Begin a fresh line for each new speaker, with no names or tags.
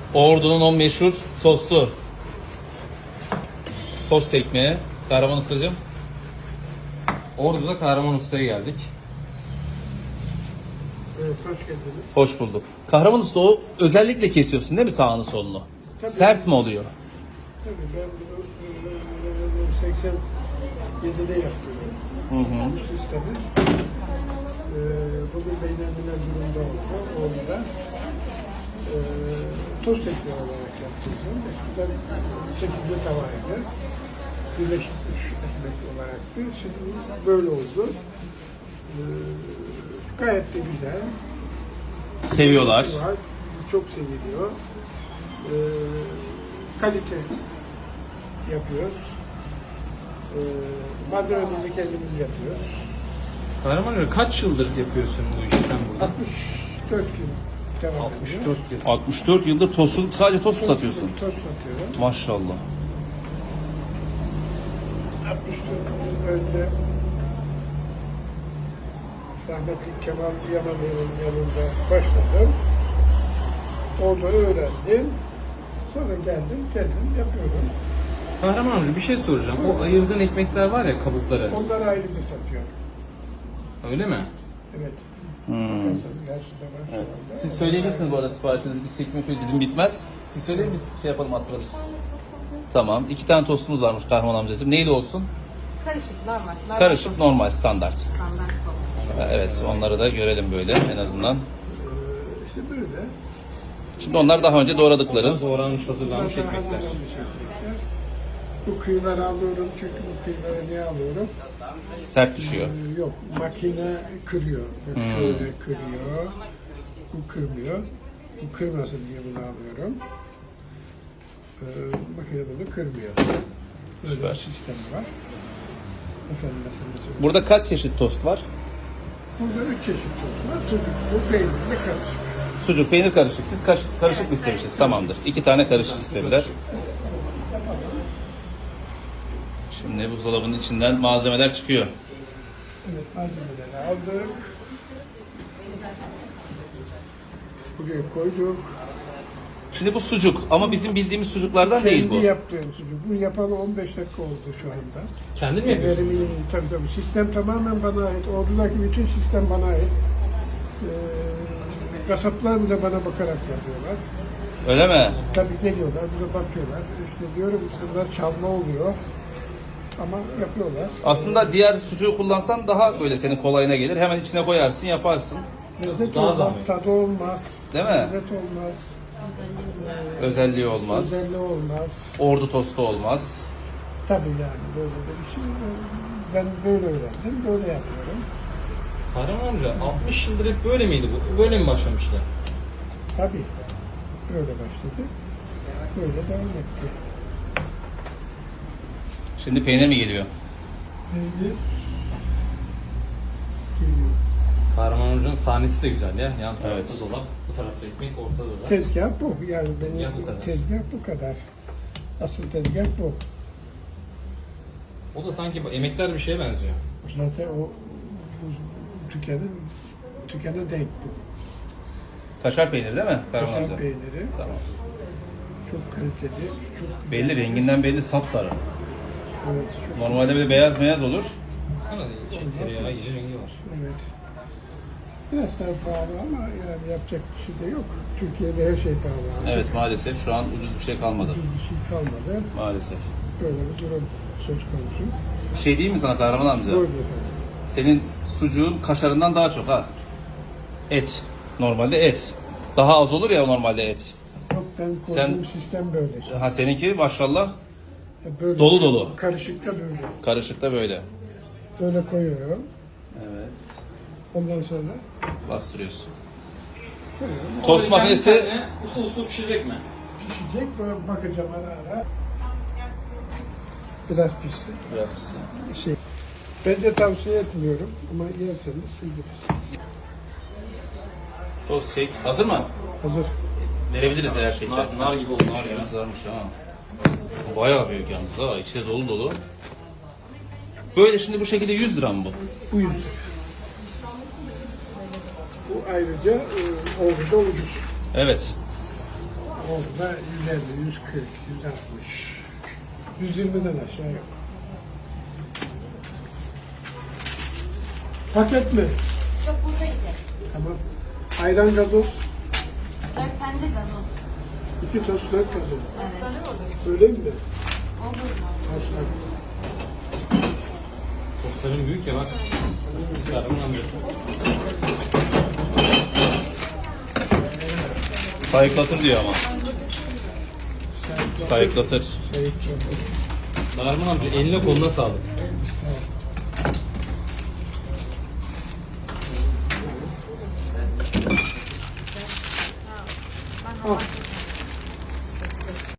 Ordu'nun o meşhur tostu. Tost ekmeği. Kahraman Ustacığım.
Ordu'da Kahraman Usta'ya geldik.
Evet, hoş geldiniz.
Hoş bulduk. Kahraman Usta, o özellikle kesiyorsun değil mi sağını solunu?
Tabii.
Sert mi oluyor?
Tabii ben bunu 87'de yaptım. Bu sistemi. Bugün beynelmiler durumda oldu. Orada tost ekmeği olarak yaptırdım. Eskiden 8'li tavaydı. Birleşik 3 ekmek olaraktı. Şimdi böyle oldu. Gayet de güzel.
Seviyorlar.
Var. Çok seviliyor. Kalite yapıyoruz. Malzememizi kendimiz yapıyoruz.
Kahraman Usta kaç yıldır yapıyorsun bu işi sen burada?
64 yıl devam ediyor.
64 yıl.
64 yıldır tostçuluk, sadece tost mu satıyorsun?
Tost satıyorum.
Maşallah.
64 yıl önce rahmetli Kemal Yamanlı'nın yanında başladım. Orada öğrendim. Sonra geldim, kendim yapıyorum.
Kahraman Usta bir şey soracağım. O ayırdığın ekmekler var ya, kabukları.
Onları ayrıca satıyorum.
Öyle mi?
Evet. Bakarsanız karşıda var şu anda.
Siz söyleyebilirsiniz bu arada siparişinizi. Biz çekmek yok, bizim bitmez. Siz söyleyin, biz şey yapalım, attıralım. Tamam. 2 tane tostumuz varmış Kahraman amcacığım. Neyli olsun?
Karışık, normal.
Karışık, normal, standart.
Standart tost.
Evet, onları da görelim böyle en azından.
İşte böyle.
Şimdi onlar daha önce doğradıkları.
Doğranmış, hazırlanmış
Bunlar
ekmekler.
hazırlanmış ekmekler. Bu kıyıları alıyorum çünkü bu kıyıları niye alıyorum?
Sert düşüyor.
Yok, makine kırıyor. Bak şöyle kırıyor. Bu kırmıyor. Bu kırmasın diye bunu alıyorum. Makine bunu kırmıyor. Böyle
Süper.
bir sistem var. Efendim mesela.
Burada kaç çeşit tost var?
Burada 3 çeşit tost var. Sucuklu, peynirli, karışık.
Sucuk, peynir karışık. Siz karışık mı istemişsiniz? Tamamdır. 2 tane karışık istediler. Şimdi buzdolabının içinden malzemeler çıkıyor.
Evet, malzemeleri aldık. Buraya koyduk.
Şimdi bu sucuk ama bizim bildiğimiz sucuklardan değil
Kendi
bu.
yaptığım sucuk. Bunu yapalı 15 dakika oldu şu anda.
Kendin mi yapıyorsun?
Verimim tabii. Sistem tamamen bana ait. Ordudaki bütün sistem bana ait. Kasaplar bile bana bakarak yapıyorlar.
Öyle mi?
Tabii geliyorlar, burada bakıyorlar. İşte diyorum bunlar çalma oluyor. Ama yapıyorlar.
Aslında diğer sucuğu kullansan daha böyle senin kolayına gelir. Hemen içine koyarsın, yaparsın.
Lezzet
Daha
olmaz,
zahmetli.
tadı olmaz.
Değil mi?
Lezzet olmaz,
Özelliği olmaz.
özelliği olmaz.
Ordu tostu olmaz.
Tabii yani böyle de bir şey. Ben böyle öğrendim, böyle yapıyorum.
Kahraman amca 60 yıldır hep böyle miydi bu? Böyle mi başlamıştı?
Tabii. Böyle başladı. Böyle devam etti.
Şimdi peynir mi geliyor?
Peynir geliyor.
Kahraman amcanın sahnesi de güzel ya. Yan tarafta
Evet.
dolap, bu tarafta ekmek, ortada da.
Tezgah bu. Yani benim
Tezgah bu kadar.
tezgah bu kadar. Asıl tezgah bu.
O da sanki emekler bir şeye benziyor.
Zaten o tükene denk bu.
Kaşar peyniri değil mi? Kahraman
Kaşar
amca?
peyniri
Tamam.
çok kaliteli, çok güzel.
Belli, renginden belli, sapsarı.
Evet, çok
Normalde böyle beyaz beyaz olur.
Sana da için tereyağı gibi rengi var.
evet. Biraz daha pahalı ama yani yapacak bir şey de yok. Türkiye'de her şey pahalı.
Evet, maalesef şu an ucuz bir şey kalmadı.
Bir şey kalmadı.
Maalesef.
Böyle bir durum söz konusu.
Bir şey diyeyim mi sana Kahraman amca?
Buyurun efendim.
Senin sucuğun kaşarından daha çok ha. Et. Normalde et. Daha az olur ya normalde et.
Yok ben
Sen-
koyduğum sistem böyle.
Ha seninki maşallah
Böyle
dolu dolu.
Karışıkta böyle.
Karışıkta böyle.
Böyle koyuyorum.
Evet.
Ondan sonra
Bastırıyorsun.
koyuyorum.
Tost makinesi
usul usul pişirecek mi?
Pişecek. Böyle bakacağım ara ara. Biraz pişsin.
biraz pişsin.
Şey, ben de tavsiye etmiyorum ama yerseniz siz bilirsiniz.
Tost şey hazır mı?
Hazır.
Verebiliriz her şeyse.
Nar gibi oldu. Nar ya.
Kızarmış ha. Bayağı büyük yalnız ha. İçi de dolu dolu. Böyle şimdi bu şekilde 100 lira mı bu?
Bu yüzden. Bu ayrıca orada ucuz.
Evet.
Orada 150, 140, 160, 120'den aşağı yok. Paket mi?
Yok burada yiyecek.
Tamam. Ayran gazoz,
4 tane de gazoz.
2 tost 4 gazoz.
Evet.
Öyle mi?
Olur mu?
Toslar.
Tostların büyük ya bak. Kahraman amca.
Sayıklatır diyor ama. Sayıklatır.
Kahraman amca eline koluna sağlık.
Al.